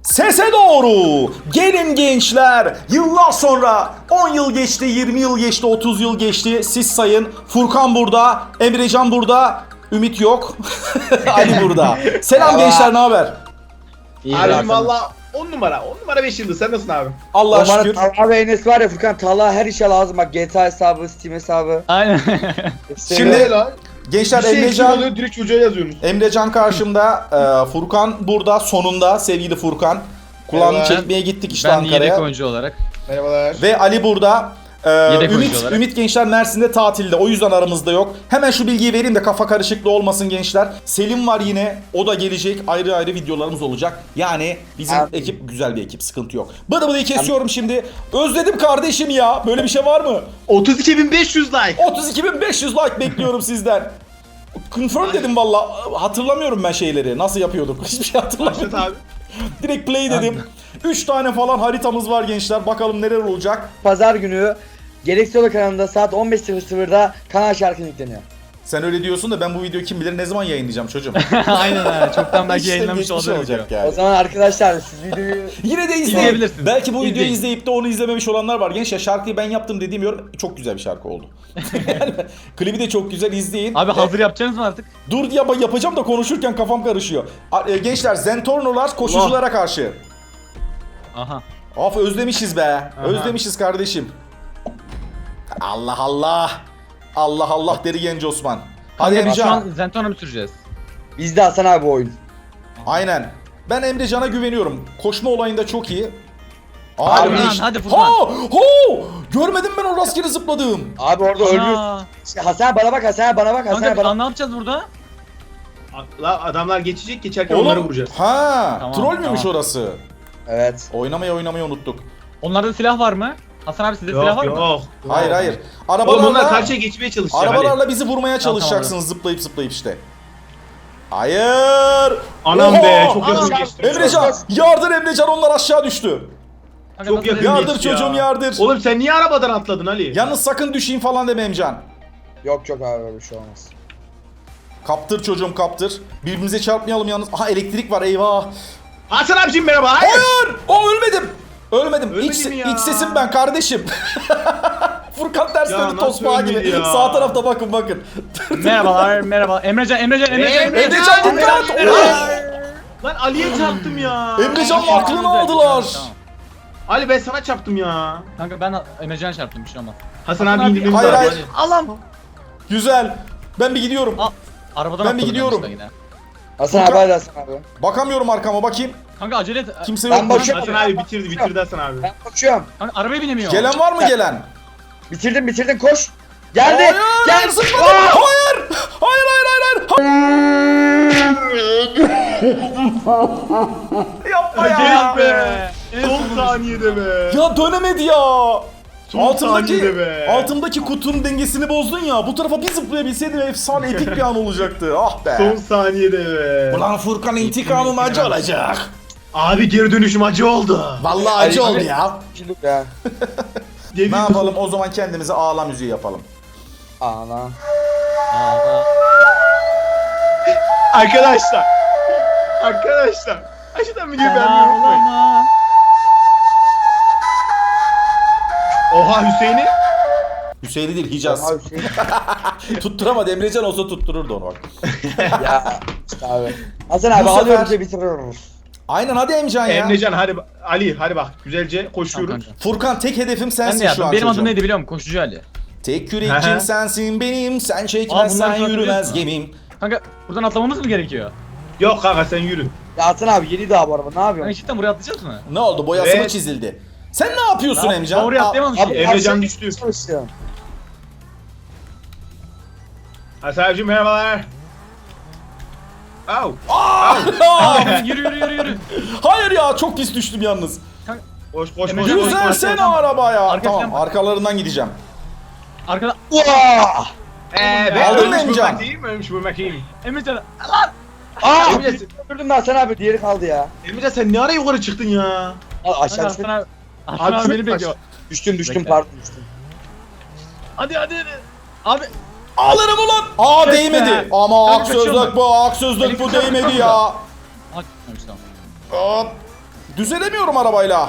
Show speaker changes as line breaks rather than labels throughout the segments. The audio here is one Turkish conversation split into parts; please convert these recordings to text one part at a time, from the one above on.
Sese doğru. Gelin gençler. Yıllar sonra 10 yıl geçti, 20 yıl geçti, 30 yıl geçti. Siz sayın. Furkan burada, Emrecan burada, Ümit yok. Ali burada. Selam gençler, ne haber?
Abim valla 10 numara 5 yıldız, sen nasılsın abi?
Allah'a şükür.
Talha ve Enes var ya Furkan, Talha her işe lazım bak, GTA hesabı, Steam hesabı.
Aynen.
Şimdi
lan.
gençler
Bir şey eksik
Emrecan,
oluyor, direkt çocuğa yazıyorsunuz.
Emrecan karşımda, Furkan burada sonunda, sevgili Furkan. Kulağını
Merhaba.
çekmeye gittik işte
Ben yedek
Ankara'ya.
oyuncu olarak.
Merhabalar.
Ve Ali burada.
Yedek oyuncu
Ümit,
olarak.
Ümit gençler Mersin'de tatilde, o yüzden aramızda yok. Hemen şu bilgiyi vereyim de kafa karışıklığı olmasın gençler. Selim var yine, o da gelecek, ayrı ayrı videolarımız olacak. Yani bizim
Abi.
ekip güzel bir ekip, sıkıntı yok. Bıdı bıdıyı kesiyorum şimdi. Özledim kardeşim ya, böyle bir şey var mı?
32.500 like.
32.500 like bekliyorum sizden. Confirm dedim valla, hatırlamıyorum ben şeyleri, nasıl yapıyorduk, hiçbir şey hatırlamıyorum.
Başlat abi.
Direkt play dedim. 3 tane falan haritamız var gençler, bakalım neler olacak.
Pazar günü Gereksiz Yolu kanalında saat 15.00'da kanal şarkı yükleniyor.
Sen öyle diyorsun da ben bu videoyu kim bilir ne zaman yayınlayacağım çocuğum.
Aynen ha. Çoktan belki
İşte
yayınlamış
geçmiş
olabilir.
olacak
O
yani.
zaman arkadaşlar siz videoyu
Yine de izleyin.
İzleyebilirsiniz.
Belki bu videoyu
İzleyin.
izleyip de onu izlememiş olanlar var. Gençler şarkıyı ben yaptım dediğim yorum çok güzel bir şarkı oldu. Yani klibi de çok güzel, izleyin.
Abi hazır yapacaksınız mı artık?
Dur ya, yapacağım da konuşurken kafam karışıyor. Gençler Zentornolar koşuculara karşı.
Aha.
Of özlemişiz be. Özlemişiz kardeşim. Allah Allah. Allah Allah deri genç Osman. Hadi
Kanka biz şu
Emrecan.
an Zentorn'a mı süreceğiz?
bizde Hasan abi bu oyun.
Aynen. Ben Emrecan'a güveniyorum. Koşma olayında çok iyi.
Hadi
Abi,
Furkan,
iş-
hadi Furkan.
Ha! Ho! Görmedim ben o rastgele zıpladım.
Abi orada ölmüyorsun.
Ana.
Hasan abi bana bak, Hasan abi bana bak, Hasan
Kanka
abi
biz
bana.
ne yapacağız burada?
La adamlar geçecek, geçerken onları vuracağız.
Ha,
Tamam,
troll müymüş
tamam.
orası?
Evet.
Oynamayı unuttuk.
Onlarda silah var mı? Hasan abi sizde silah
Yok
var mı?
yok.
Hayır hayır.
Oğlum onlar
Arabalarla
karşıya geçmeye çalışacak.
arabalarla bizi vurmaya çalışacaksınız zıplayıp işte. Hayır.
Anam
Oha!
be, çok hızlı
Anam.
geçti.
Emrecan, yardır Emrecan, onlar aşağı düştü.
Kanka
Çok
nasıl
yakın.
dedim?
Yardır
geçti ya.
çocuğum, yardır.
Oğlum sen niye arabadan atladın Ali?
Yalnız sakın düşeyim falan deme Emcan.
Yok yok abi, öyle bir şey olmaz.
Kaptır çocuğum, kaptır. Birbirimize çarpmayalım yalnız. Aha elektrik var, eyvah.
Hasan abicim merhaba. Hayır.
Hayır! O ölmedim. Ölmedim.
Ölmedin mi ya?
İç sesim ben kardeşim. Furkan ters
Ya
döndü
nasıl
tosbağa gibi.
ölmedi ya?
Sağ tarafta bakın.
Merhabalar, merhaba. Emrecan.
Emrecan dikkat!
Lan Ali'ye çarptım ya.
Emrecan'ın
Tamam,
aklını
güzel,
aldılar.
tamam.
Ali ben sana çarptım ya.
Kanka ben Emrecan'a çarptım, bir şey olmaz.
Hasan
Hasan
abi
abi-
indirmemiz
Hayır,
lazım.
hayır.
Allah'ım.
Güzel. Ben bir gidiyorum.
Aa, arabadan
Ben bir
atladım
gidiyorum.
yanlışlıkla yine.
Hasan
Furkan-
abi, hadi Hasan abi.
Bakamıyorum arkama, bakayım.
Kanka acele et.
Kimse
Ben
yok mu?
bakıyorum.
Hasan abi bitirdi Hasan abi.
Ben koşuyorum.
Kanka arabaya binemiyor.
Gelen var mı gelen?
Bitirdin koş. Geldi.
Hayır,
Gel.
zıpladım.
Aa!
Hayır. Yapma ya.
Yes be. Son saniyede be.
Ya dönemedi ya.
Son saniyede be.
Altımdaki kutunun dengesini bozdun ya. Bu tarafa bir zıplayabilseydim efsane epik bir an olacaktı. Ah be.
Son saniyede be.
Ulan Furkan, intikamım acı olacak.
Abi geri dönüşüm acı oldu.
Vallahi acı
Ay,
oldu
ay.
ya.
Şimdi ya.
Ne yapalım o zaman, kendimize ağla müziği yapalım.
Ana.
Arkadaşlar. Arkadaşlar. Aşağıdan videoyu beğenmeyi unutmayın.
Ağlama.
Oha Hüseyin'i.
Hüseyin'i değil, Hicaz.
Abi şey.
Tutturamadı, Emrecan olsa tuttururdu onu bak.
Ya işte abi. Hasan abi
Bu sefer-
alıyoruz ve bitiriyoruz.
Aynen, hadi Emcan ya.
Emrecan hadi Ali hadi bak güzelce
Tamam
koşuyoruz.
kanka.
Furkan, tek hedefim
Ben
sensin
de
şu
yaptım.
an
Benim
çocuğum.
adım neydi biliyor musun? Koşucu Ali.
Tek
Hı
yürekçim
hı.
sensin benim, sen
Aa,
çekmezsen
bunları
yürümez
hatırlıyorsun.
gemim.
Kanka buradan atlamamız mı gerekiyor?
Yok kanka sen yürü.
Ya Hasan abi yeni daha bu araba, ne
Kanka
yapıyorsun?
cidden buraya atlayacağız mı?
Ne oldu, boyası mı
Evet.
çizildi? Sen ne yapıyorsun Emcan?
Ben oraya
Aa,
atlayamamış
Abi
ki.
Emrecan
Hasan
düştü.
çalışıyorum.
Hasan abicim merhabalar. Au.
Aa, yürü.
Hayır ya, çok pis düştüm yalnız.
Koş koş koş.
Emrecan,
koş, koş, koş.
Düzelsene arabaya.
Arkasından
Tamam,
bak.
arkalarından gideceğim.
Arkada
Vaa!
Ben
Aldın mı
ölmüş
Emrecan?
bulmak iyiyim, ölmüş bulmak iyiyim.
Emrecan.
Aa!
Emrecan,
Öldürdüm ben Hasan abi, diğeri kaldı ya.
Emrecan sen ne ara yukarı çıktın ya?
Al
Kanka
aşağı
Hasan
düştüm.
abi. Hasan
Abi
abi
çok
beni bekliyor.
Düştüm
Bekle.
pardon düştüm.
Hadi. Abi.
Alırım ulan. Aa,
Kes
değmedi.
be.
Ama
Kanka
haksızlık
kaçıyorum
bu, haksızlık bu,
Elektrik
değmedi
çarptı
ya.
Hadi. Tamam.
Hop. Düzelemiyorum arabayla.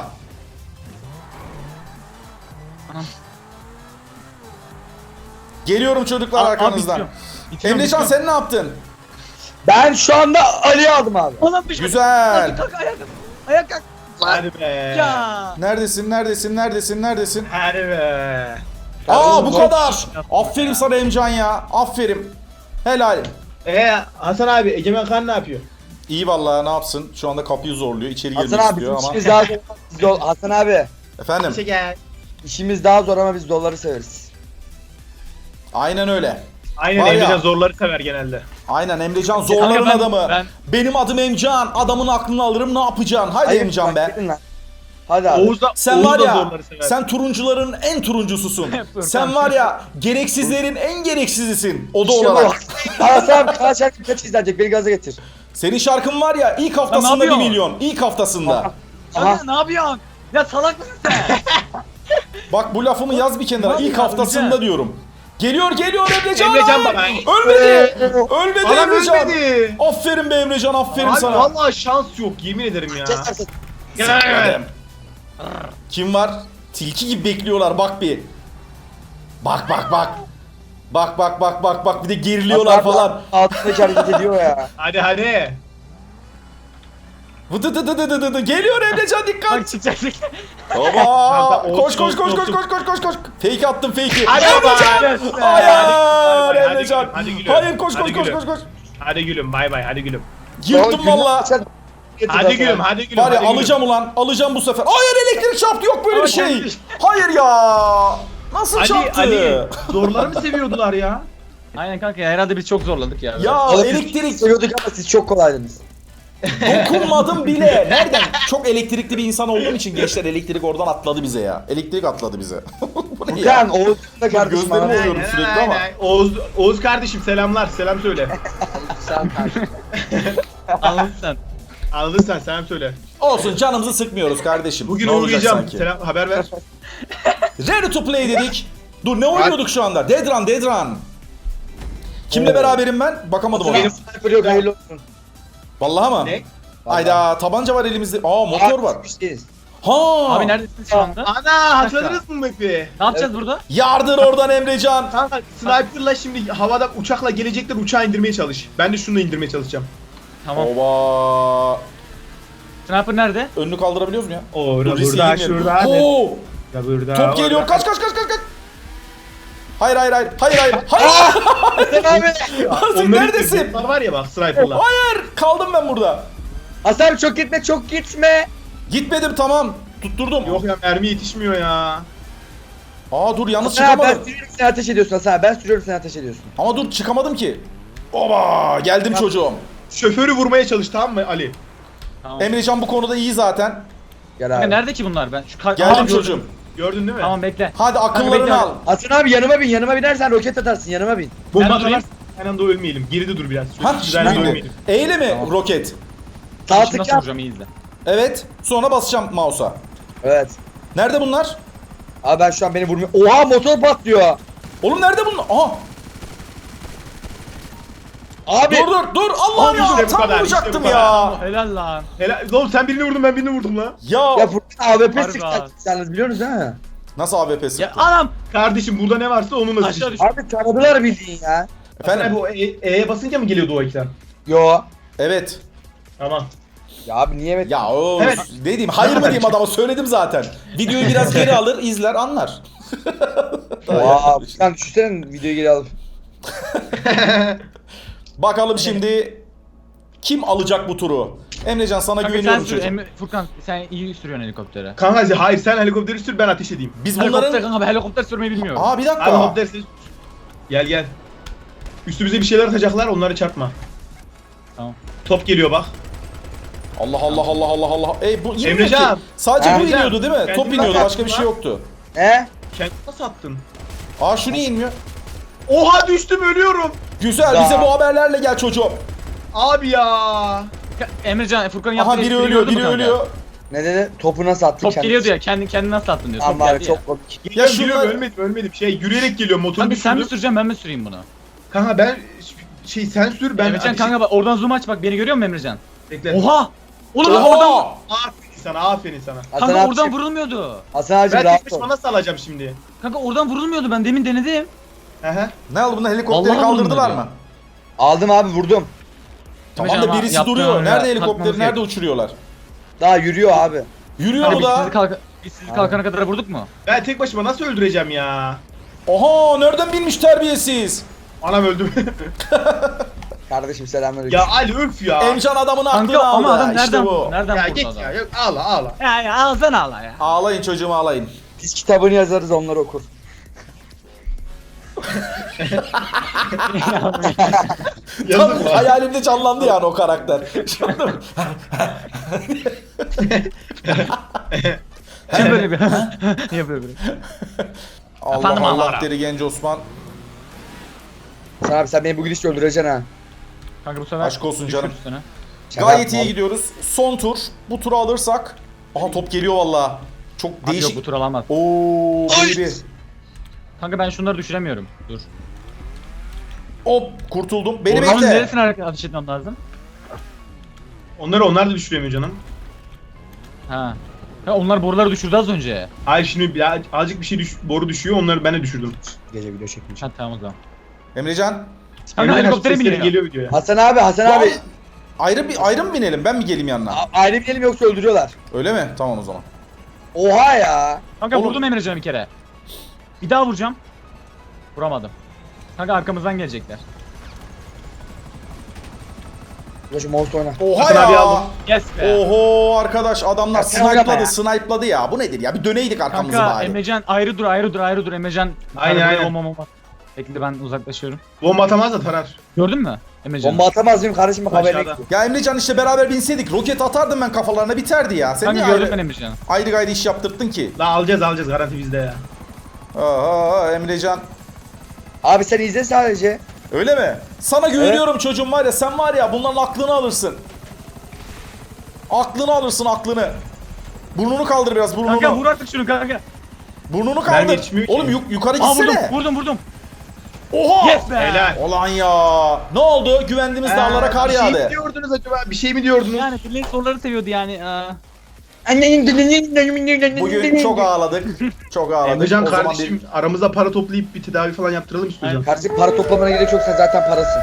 Geliyorum çocuklar arkanızdan.
Bitiriyorum,
Emrecan
bitiriyorum.
sen ne yaptın?
Ben şu anda Ali'yi aldım abi.
Oğlum bir şey.
Güzel.
Kalk ayağa kalk. Ayağa kalk.
Hadi be.
Ya.
Neredesin?
Hadi be.
Aa bu kadar. Aferin sana Emcan ya. Aferin. Helal.
Hasan abi Egemen Kan ne yapıyor?
İyi vallahi ne yapsın? Şu anda kapıyı zorluyor. İçeri
Hasan
girmek
abi
istiyor
bizim
ama.
işimiz daha zor. Hasan abi
Efendim.
Gel.
işimiz daha zor ama biz doları severiz.
Aynen öyle.
Aynen
Var ya.
Emrecan zorları sever genelde.
Aynen Emrecan zorların
Kanka ben-
adamı.
ben-
Benim adım Emcan. Adamın aklını alırım ne yapacaksın? Haydi
Hayır,
Emcan
bak,
be.
gidin lan. Hadi abi.
Oğuz da,
Sen
Oğuz
var
da
ya,
zorları sever.
sen turuncuların en turuncususun.
Furkan.
Sen var ya, gereksizlerin en gereksizisin. O da
İşte bu.
olarak.
Hasan abi kaç şarkı kaç izlenecek beni gaza getir.
Senin şarkın var ya, ilk haftasında 1
yapıyorsun?
milyon. İlk haftasında.
Aha.
Kanka ne yapıyorsun? Ya salak mısın sen?
Bak bu lafımı yaz bir kenara.
Ne
İlk
yapıyorsun
haftasında
Emrecan?
diyorum. Geliyor Emrecan.
Emrecan baba.
Ölmedi. Ölmedi
Adam
Emrecan.
ölmedi.
Aferin be Emrecan, aferin
Abi
sana.
vallahi şans yok yemin ederim ya.
Siktir. Kim var? Tilki gibi bekliyorlar bak bir. Bak. Bak bir de geriliyorlar falan.
Altındaki hareket ediyor ya.
Hadi.
Vıdıdıdıdıdıdı. Geliyor Emrecan dikkat.
Bak çıkacak.
Baba.
Kanka,
Koş.
olsun.
Fake attım fake'i.
Hadi
Emrecan.
baba.
Hayır
Hadi
Emrecan.
gülüm, hadi gülüm.
Hayır koş.
Hadi gülüm bay bay hadi gülüm.
Yırttım valla.
Hadi gülüm.
Var ya
hadi gülüm.
alacağım ulan. Alacağım bu sefer. Hayır elektrik çarptı, yok böyle bir şey. Hayır ya. Nasıl çarptı?
Ali zorları mı seviyordular ya?
Aynen kanka ya, herhalde biz çok zorladık ya.
Ya
Oğlum,
elektrik
seviyorduk ama siz çok kolaydınız.
dokunmadım bile. Nereden? Çok elektrikli bir insan olduğum için gençler elektrik oradan atladı bize ya. Elektrik atladı bize. Bu ne ya?
Furkan Oğuz'un da kardeşim
Gözlerimi
abi.
oluyorum sürekli ama.
Oğuz kardeşim selamlar. Selam söyle.
Anladın sen.
Anladın sen selam söyle.
Olsun, canımızı sıkmıyoruz kardeşim.
Bugün
Ne olacak
uğrayacağım.
sanki?
Selam haber ver.
Ready to play dedik. Dur ne oynuyorduk şu anda? Dead Run. Kimle beraberim ben? Bakamadım ona.
Benim sniper yok hayırlı olsun.
Vallahi mı?
Ne?
Hayda, tabanca var elimizde. Aa motor var.
Biz.
Ha.
Abi neredesiniz şu anda?
Ana hatırladınız mı Mekbi?
Ne yapacağız burada?
Yardır oradan Emrecan.
Kanka sniper'la şimdi havada uçakla gelecekler uçağı indirmeye çalış. Ben de şunu indirmeye çalışacağım.
Tamam.
Oba.
Sniper nerede?
Önünü kaldırabiliyoruz mu ya?
Orada
Dur, riske
burada
girmeyelim.
şurada.
Oo.
Ya burada.
Top geliyor.
orada.
Kaç. Hayır. Hayır.
Hasan abi.
Sen
Onların
neredesin?
botlar var ya bak sniper'la.
Hayır. Kaldım ben burada.
Hasan abi çok gitme.
Gitmedim, tamam. Tutturdum.
Yok ya mermi yetişmiyor ya.
Aa dur, yalnız
Hasan abi ben
çıkamadım.
sürüyorum sen ateş ediyorsun Hasan abi. Ben sürüyorum sen ateş ediyorsun.
Ama dur çıkamadım ki. Oba geldim çocuğum.
Şoförü vurmaya çalış tamam mı Ali?
Tamam.
Emrecan bu konuda iyi zaten.
Gel
Kanka
abi.
nerede ki bunlar? Ben şu
Geldim
Aa, gördüm.
çocuğum.
Gördün değil mi?
Tamam bekle.
Hadi
bekle.
akıllarını al.
Hasan abi yanıma binersen roket atarsın yanıma bin.
Bomba
Nerede durayım?
atarsan aynı anda ölmeyelim. Geride dur biraz.
Ha
Güzel
şimdi.
ölmeyelim.
Eyle mi
Tamam.
roket?
Sağ
Şimdi
tık
nasıl
yap.
vuracağım iyi izle.
Evet. Sonra basacağım mouse'a.
Evet.
Nerede bunlar?
Abi ben şu an beni vurmuyor. Oha motor patlıyor.
Oğlum nerede bunlar? Aha.
Abi.
Dur. Allah'ım
Abi işte
ya.
bu
Tam
kadar,
vuracaktım
işte bu
ya.
Helal lan.
Helal. Oğlum sen birini vurdun ben birini vurdum la.
Ya.
Ya Furkan AWP
Harbi
sıkacağız biliyorsunuz ha.
Nasıl AWP sıktı?
Ya anam.
Kardeşim burada ne varsa onu nasıl
Aşağı
düşün.
düş.
Abi taradılar bildiğin ya.
Efendim?
Bu E'ye basınca mı geliyordu o ekran?
Yo.
Evet.
Tamam.
Ya abi niye evet?
Ya o
Evet.
ne diyeyim? Hayır mı diyeyim adama? Söyledim zaten. Videoyu biraz geri alır, izler, anlar.
Oha Furkan düşünsene videoyu geri alıp.
Bakalım şimdi kim alacak bu turu? Emrecan sana
Kanka sen
güveniyorum
sür.
çocuğum.
Furkan sen iyi sürüyorsun helikoptere.
Kanka hayır sen helikopteri sür ben ateş edeyim.
Biz
Helikopter
bunların...
kanka ben helikopter sürmeyi bilmiyorum.
Aa bir dakika.
Helikopter sür. Gel. Üstümüze bir şeyler atacaklar onları çarpma.
Tamam.
Top geliyor bak.
Allah. Bu inmiyor
Emrecan.
ki. Sadece bu
Emrecan.
iniyordu değil mi?
Kendini
Top iniyordu,
bak
başka bir şey
lan.
yoktu.
He?
Kendini nasıl attın?
Aa şu niye inmiyor?
Oha düştüm ölüyorum.
Güzel,
Ya.
bize bu haberlerle gel çocuğum.
Abi ya.
Emrecan Furkan'ın yaptığı
Aha biri
espriyi
ölüyor,
gördün mü
biri
kanka?
ölüyor.
Ne dedi? Topu nasıl attın
Top
kendisi?
geliyordu ya kendini nasıl attın diyor. Top
Amma abi
geldi ya.
çok komik.
Geliyorum,
şunlar-
geliyorum ölmedim. Şey yürüyerek geliyor motoru
Kanka sen mi
düşürdüm.
süreceksin ben mi süreyim bunu?
Kanka ben sen sür ben
Emrecan kanka bak oradan zoom aç bak beni görüyor musun Emrecan?
Bekle.
Oha! Oğlum
Oha!
oradan
Aferin sana, aferin sana.
Hasan
Kanka
abi,
oradan vurulmuyordu.
Hasan abicim
Ben
rahat
tek
ol.
başıma nasıl alacağım şimdi?
Kanka oradan vurulmuyordu, ben demin denedim.
Hehe.
Ne oldu bunda, helikopteri
Vallahi
kaldırdılar
vurulmuyor
mı?
Aldım abi, vurdum.
Tamam
Emrecan
da
ama
birisi
yaptığın
duruyor.
hamle
Nerede helikopteri,
takmamız
nerede
gerek.
uçuruyorlar?
Daha yürüyor abi.
Yürüyor
Kanka
mu da?
biz sizi kalkana kadar vurduk mu?
Ben tek başıma nasıl öldüreceğim ya?
Oha, nereden bilmiş terbiyesiz?
Anam öldüm.
Kardeşim selamünaleyküm.
Ya Ali öf ya.
Emcan adamın aklını
Kanka
aldı.
ama adam
İşte
nereden
bu.
nereden
Ya
vurdu
git
adam?
ya. Yok ağla ağla.
Ya alsana Allah ya.
Ağlayın çocuğum, ağlayın.
Biz kitabını yazarız, onlar okur.
Tam
Yazık var.
hayalimde canlandı yani o karakter. Anladın mı?
Kim böyle bir niye böyle bir?
Allah
Efendim,
Allah
Allah.
deri genç Osman.
Hasan abi sen beni bugün hiç öldüreceksin ha.
Kanka bu sefer
Aşk olsun canım.
düşür üstüne.
Şaka
Gayet
yapma
iyi
oğlum.
gidiyoruz. Son tur. Bu turu alırsak. Aha top geliyor valla. Çok
Abi yok,
değişik.
bu tur alamaz.
Oo, baby.
Kanka ben şunları düşüremiyorum. Dur.
Hop, kurtuldum. Beni
Ormanın
bekle.
neresine ateş etmem lazım?
Onlar da düşüremiyor canım.
Ha. Ya onlar boruları düşürdü az önce.
Hayır şimdi ya, azıcık bir şey boru düşüyor, onları ben de düşürdüm.
Gece video çekmiş.
Ha tamam o zaman.
Emrecan.
Kanka
Emrecan
helikoptere
sesleri
biniyor.
geliyor videoya.
Hasan abi, Hasan abi.
Ayrı mı binelim? Ben mi geleyim yanına?
Ayrı binelim yoksa öldürüyorlar.
Öyle mi? Tamam o zaman.
Oha ya.
Kanka
Oğlum.
vurdum Emrecan'ı bir kere. Bir daha vuracağım. Vuramadım. Kanka arkamızdan gelecekler.
Ulaşı monster oyna.
Oha
Hasan
ya.
abi aldım.
Yes be.
Oho arkadaş, adamlar
Ya sen oynama ya.
snipe'ladı ya. Bu nedir ya? Bir döneydik arkamızı
Kanka
bari.
Emrecan ayrı dur Emrecan.
Aynen,
Arabaya
aynen.
olmam. Bekle ben uzaklaşıyorum.
Bomba atamaz da tarar.
Gördün mü Emrecan?
Bomba atamaz mıyım kardeşim, bak haberine
Aşağıda.
gidiyor.
Ya Emrecan işte beraber binseydik roket atardım ben kafalarına, biterdi ya. Sen
Kanka
niye
gördüm ben
ayrı,
Emrecan'ı.
ayrı gayrı iş yaptırttın ki?
La alacağız garanti bizde ya.
Aa, Emrecan.
Abi sen izle sadece.
Öyle mi? Sana güveniyorum çocuğum, var ya, sen var ya bunların aklını alırsın. Aklını alırsın, aklını. Burnunu kaldır biraz, burnunu.
Kanka vur artık şunu kanka.
Burnunu
Ben
kaldır.
yetişmiyor ki.
Oğlum yukarı
Aa
gitsene.
vurdum.
Oha!
Yes be.
Helal.
Ulan ya. Ne oldu? Güvendiğimiz dağlara kar
Bir şey mi
yağdı.
diyordunuz acaba? Bir şey mi diyordunuz?
Yani birileri soruları seviyordu yani.
Bugün çok ağladık. Çok ağladık.
Emrecan
O zaman
kardeşim aramızda para toplayıp bir tedavi falan yaptıralım istiyorsan.
Kardeşim para toplamana gerek yok, sen zaten parasın.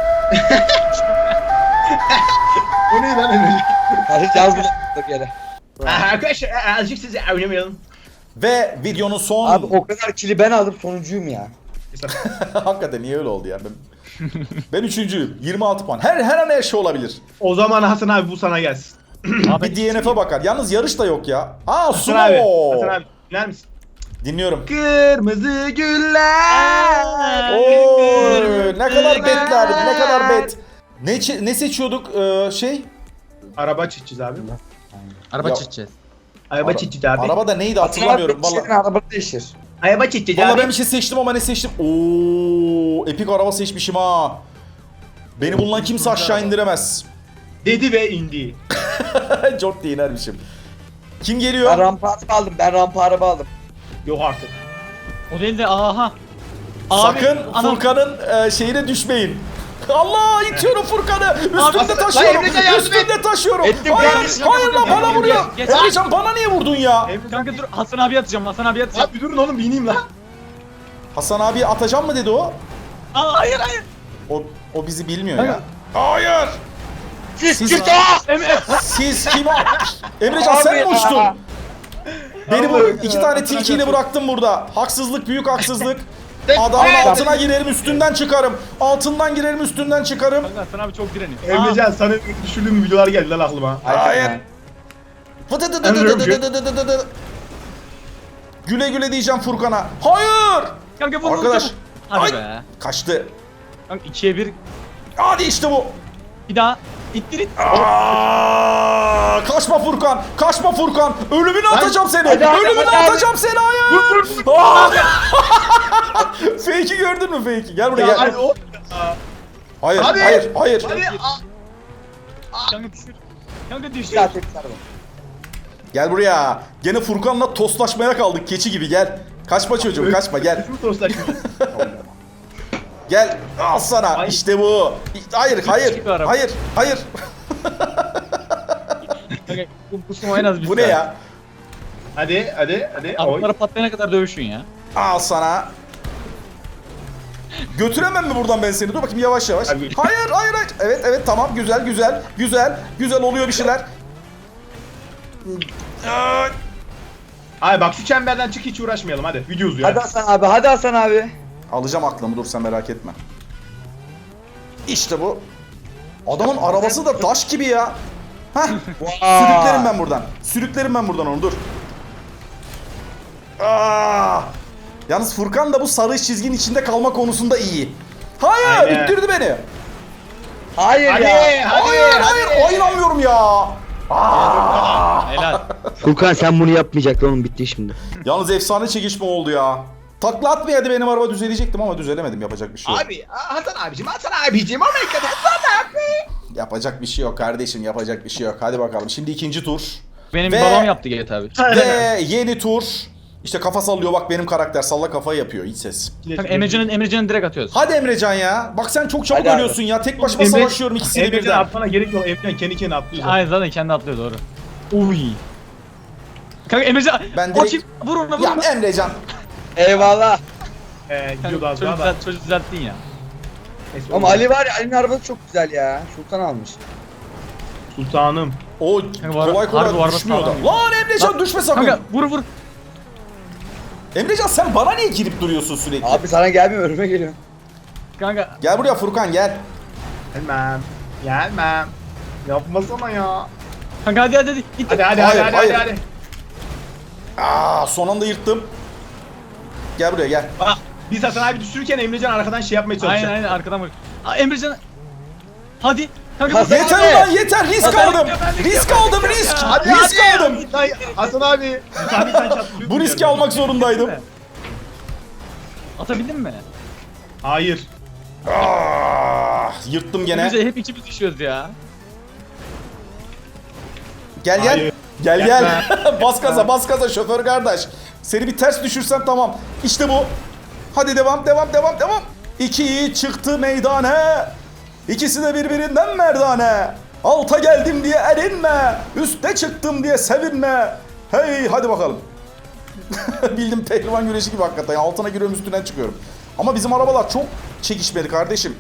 O ne lan Emrecan?
Kardeşim yaz bunu yere.
Arkadaşlar azıcık sizi oynamayalım.
Ve videonun son...
Abi o kadar kili ben aldım, sonuncuyum ya.
Hakikaten niye öyle oldu ya? Ben üçüncüyüm. 26 puan. Her an her şey olabilir.
O zaman Hasan abi bu sana gelsin.
Bir DNF'e bakar. Yalnız yarış da yok ya. Aa,
Hasan abi.
sumo.
Hasan abi dinler misin?
Dinliyorum.
Kırmızı güller.
Oo, ne kadar betler, ne kadar bet. Ne seçiyorduk şey?
Araba çizeceğiz abi.
Araba
Ya-
çizeceğiz.
Araba çizeceğiz abi.
Araba da neydi hatırlamıyorum.
Vallahi.
Vallahi.
Araba değişir.
Araba çizeceğiz
Vallahi
abi.
ben bir şey seçtim ama ne seçtim? Oo, epik araba seçmişim ha. Beni bundan kimse aşağı indiremez.
Dedi ve indi.
Çok diye inermişim. Kim
Ben
geliyor?
rampa araba aldım, ben rampa araba aldım.
Yok artık.
O değil de aha. Abi,
Sakın
anam-
Furkan'ın şeyine düşmeyin. Allah, itiyorum Furkan'ı. Üstümde
Lan
taşıyorum.
Emrecan yardım
Üstümde taşıyorum.
Ettim
Hayır,
kardeşim.
hayır lan, bana vuruyor.
Geç.
Emrecan bana niye vurdun ya?
Kanka dur Hasan abi atacağım.
Abi durun oğlum bineyim lan.
Hasan abi atacağım mı dedi o?
Aa hayır.
O bizi bilmiyor
Hayır.
ya. Hayır. Siz, siz kim? Emrecan sen mi
Abi
uçtun?
ya.
Beni bu
Allah'ım
iki
ya.
tane tilkiyle bıraktım burada. Haksızlık, büyük haksızlık.
Tek-
Adamın
Evet.
altına girerim, üstünden çıkarım. Altından girerim, üstünden çıkarım.
Kanka Hasan abi çok direniyor.
Emrecan sana düşürdüğüm videolar geldi lan aklıma.
Hayır. Güle güle diyeceğim Furkan'a. Hayır.
Kanka vur
Arkadaş.
vur. Hadi
Ay.
be.
Kaçtı.
Kanka 2'ye 1.
Hadi işte bu.
Bir daha. İttir.
Aa, kaçma Furkan. Kaçma Furkan. Ölümünü atacağım seni.
Hadi, hadi,
Ölümünü
hadi, hadi.
atacağım seni. Hayır. Aa! Fake'i gördün mü fake'i? Gel buraya
Ya
gel.
hadi o.
Hayır,
Hadi.
hayır, hayır.
Hadi.
Kanka düşür. Kanka düşür.
Bir daha tekrar araba.
Gel buraya. Gene Furkan'la toslaşmaya kaldık. Keçi gibi gel. Kaçma çocuğum, kaçma gel.
Kim toslaşmış?
Gel. Al sana.
Ay.
İşte bu. Hayır, hayır.
gibi araba.
Hayır, hayır.
Kanka bu sumo en az bir
Bu ne
saat.
ya?
Hadi. Oy.
Atlara patlayana kadar dövüşün ya.
Al sana. Götüremem mi buradan ben seni? Dur bakayım yavaş yavaş.
Abi.
Hayır. Evet tamam güzel oluyor bir şeyler.
Abi bak şu çemberden çık hiç uğraşmayalım hadi. Video uzuyor.
Hadi Hasan abi, hadi Hasan abi.
Alacağım aklımı, dur sen merak etme. İşte bu. Adamın arabası da taş gibi ya. Heh. Sürüklerim ben buradan onu, dur. Yalnız Furkan da bu sarı çizginin içinde kalma konusunda iyi. Hayır,
Aynen.
ittirdi beni.
Hayır
Hadi,
ya.
Hayır, inanmıyorum ya.
Helal.
Furkan sen bunu yapmayacaktın oğlum, bitti şimdi.
Yalnız efsane çekişme oldu ya. Takla atmayaydı benim araba, düzelecektim ama düzelemedim, yapacak bir şey yok.
Abi Hasan abicim Amerika'da Hasan abi.
Yapacak bir şey yok kardeşim, yapacak bir şey yok. Hadi bakalım, şimdi ikinci tur.
Benim
Ve-
babam yaptı GTA abi.
Ve yeni tur. İşte kafa sallıyor bak, benim karakter salla kafayı yapıyor, hiç ses.
Kanka Emrecan'ı direkt atıyoruz.
Hadi Emrecan ya. Bak sen çok çabuk
Hadi abi.
ölüyorsun ya. Tek başıma
Emre-
savaşıyorum ikisini
Emrecan
birden.
atmana gerek yok. Emrecan kendi kendine atlıyor.
Aynen zaten kendi atlıyor doğru. Uy. Kanka Emrecan
Ben direkt-
açayım vur ona vur
Ya
ona.
Emrecan.
Eyvallah.
Gidiyordu az
Çocuk,
daha da.
çocuk düzelttin ya.
Neyse,
Ama Ali var ya, Ali'nin arabası çok güzel ya. Sultan almış.
Sultanım.
O
var-
kolay
harbi var,
kolay düşmüyor
sağlam.
adam. Lan Emrecan düşme sakın.
Kanka vur.
Emrecan sen bana niye girip duruyorsun sürekli?
Abi sana gelmiyor, önüme geliyor.
Kanka
Gel buraya Furkan, gel.
Gelmem. Yapmasana ya.
kanka hadi git.
Hadi
Hayır. Son anda yırttım. Gel buraya gel.
Bak biz Hasan abi düşürürken Emrecan arkadan şey yapmaya çalışacak.
Aynen arkadan vur. Emrecan. Hadi. Kanka
Hasan-
Yeter
Abi.
ulan yeter, risk aldım. Risk aldım. Risk aldım.
Ay, Hasan abi. Hasan sen çatlıyorsun.
Bu riski
yani.
almak zorundaydım.
atabildin mi?
Hayır.
Yırttım gene.
Emrecan hep ikimiz düşüyoruz ya.
Gel.
Hayır.
Gel. bas gaza şoför kardeş. Seni bir ters düşürsem tamam. İşte bu. Hadi devam. 2 yiğit çıktı meydana. İkisi de birbirinden merdane. Alta geldim diye erinme. Üste çıktım diye sevinme. Hey hadi bakalım. Bildim pehlivan güreşi gibi hakikaten. Altına giriyorum, üstünden çıkıyorum. Ama bizim arabalar çok çekişmeli kardeşim.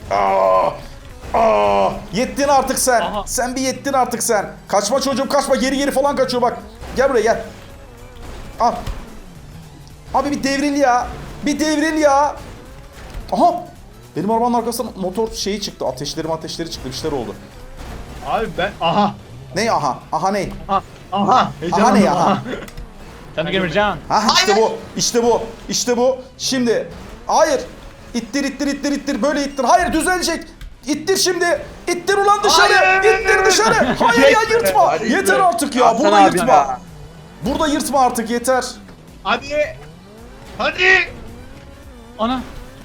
Yettin artık sen.
Aha.
Sen bir yettin artık sen. Kaçma çocuğum kaçma. Geri falan kaçıyor bak. Gel buraya gel. Al. Abi bir devril ya. Aha. Benim arabanın arkasından motor şeyi çıktı. Ateşleri çıktı. Bir şeyler oldu.
Abi ben aha.
Ne aha? Aha ne?
Aha.
Aha ne
Heyecanlandım,
aha?
Sen de Emrecan.
Ha işte bu. Şimdi. Hayır. İttir. Böyle ittir. Hayır düzelecek. İttir şimdi. İttir ulan dışarı.
Hayır.
İttir dışarı. Hayır ya yırtma.
Hadi.
Yeter artık ya.
Hasan
Burada
abi
yırtma.
ya.
Burada yırtma artık yeter.
Hadi.
Ana.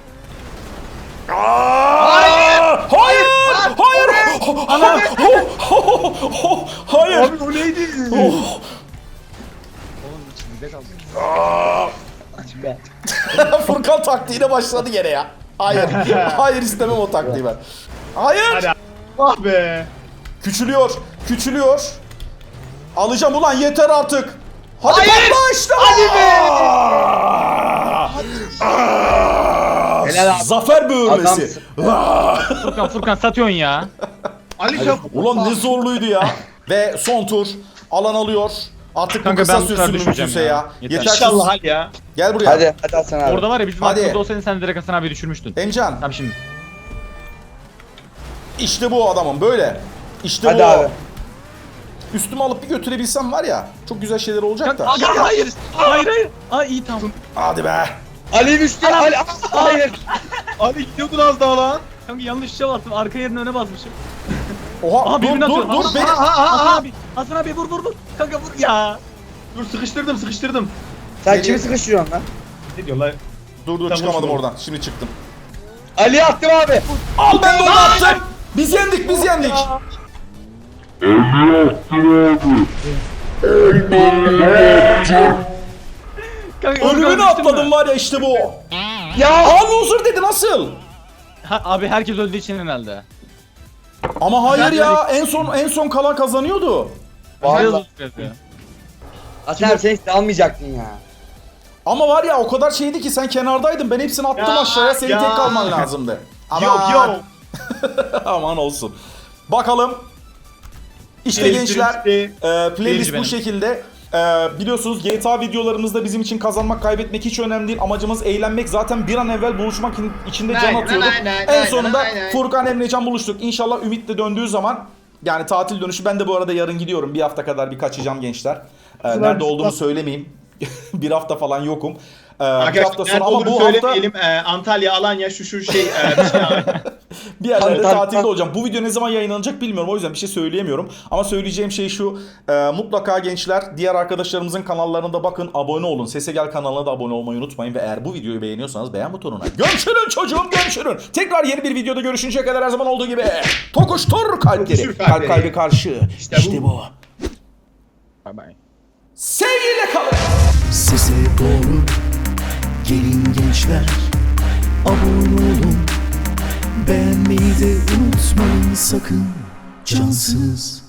Hayır. Hayır.
Abi o neydi?
Oh. Furkan taktiğine başladı gene ya. Hayır. Hayır istemem o taktiği ben. Hayır.
Hadi. Ah be.
Küçülüyor. Alacağım ulan yeter artık. Hadi
Hayır.
patla işte. Hadi
Helal abi.
Zafer böğürmesi.
Furkan satıyorsun ya.
Ali sen.
Ulan ne zorluydu ya. Ve son tur. Alan alıyor. Artık
Kanka
bu kısa
ben bu sefer
sürsün
düşmeyeceğim
mümkünse
ya.
ya.
Yeter.
Yeter.
İnşallah hadi ya.
Gel buraya.
Hadi Hasan abi.
Orada var ya bizim
Hadi.
aklımızda olsaydın sen direkt Hasan abi düşürmüştün.
Emcan.
Tamam şimdi.
İşte bu adamın böyle. İşte
Hadi
bu.
abi.
Üstüme alıp bir götürebilsem var ya. Çok güzel şeyler olacak da.
Kanka hayır. Hayır. Ay iyi tamam.
Hadi be.
Ali düştü. Ali. Hayır.
Ali gidiyordun az daha lan.
Kanka yanlış şey bastım. Arka yerine öne basmışım.
Oha
Aha
dur
birbirini atıyorum.
dur beni.
Hasan abi vur. Kanka vur ya.
Dur sıkıştırdım.
Sen kimi sıkıştırıyorsun lan?
Ne diyorlar?
Dur
Tamam,
çıkamadım
şimdi.
oradan. Şimdi çıktım.
Ali attım abi.
Al ben de onu attım. Biz yendik.
Kanka
Ölümünü
düştün mü?
atladım var ya işte bu.
Ya.
Aa loser dedi nasıl?
Abi herkes öldüğü için herhalde.
Ama hayır ya en son kalan kazanıyordu.
Vallahi.
Vallahi. Yazıyor.
Hasan abi sen hiç almayacaktın ya.
Ama var ya o kadar şeydi ki sen kenardaydın. Ben hepsini attım
Ya,
aşağıya. Senin
ya.
tek kalman lazımdı.
Yok yok.
Aman olsun. Bakalım. İşte
Elektrik
gençler
gitti.
playlist
Seyirci
bu
benim.
şekilde. Biliyorsunuz GTA videolarımızda bizim için kazanmak kaybetmek hiç önemli değil. Amacımız eğlenmek. Zaten bir an evvel buluşmak için de can
Aynen,
atıyorduk.
aynen,
En
aynen,
sonunda
aynen.
Furkan Emrecan buluştuk. İnşallah Ümit de döndüğü zaman yani tatil dönüşü ben de bu arada yarın gidiyorum. Bir hafta kadar bir kaçacağım gençler. Nerede olduğumu söylemeyeyim. Bir hafta falan yokum. Bir
Arkadaşlar
hafta
nerede
sonra ama
olduğunu
bu hafta
söylemeyelim. Antalya, Alanya bir şey.
bir yerlerde
Tabii.
tatilde olacağım. Bu video ne zaman yayınlanacak bilmiyorum. O yüzden bir şey söyleyemiyorum. Ama söyleyeceğim şey şu. Mutlaka gençler diğer arkadaşlarımızın kanallarına da bakın. Abone olun. Sese Gel kanalına da abone olmayı unutmayın. Ve eğer bu videoyu beğeniyorsanız beğen butonuna görüşürün çocuğum, görüşürün. Tekrar yeni bir videoda görüşünceye kadar her zaman olduğu gibi tokuştur kalpleri.
Tokuştur
Kalp
kalpleri.
kalbi karşı.
İşte
İşte
bu.
bu.
Bay bay.
Sevgiyle kalın.
Sese doğru gelin gençler, abone olun, beğenmeyi de unutmayın sakın, cansız.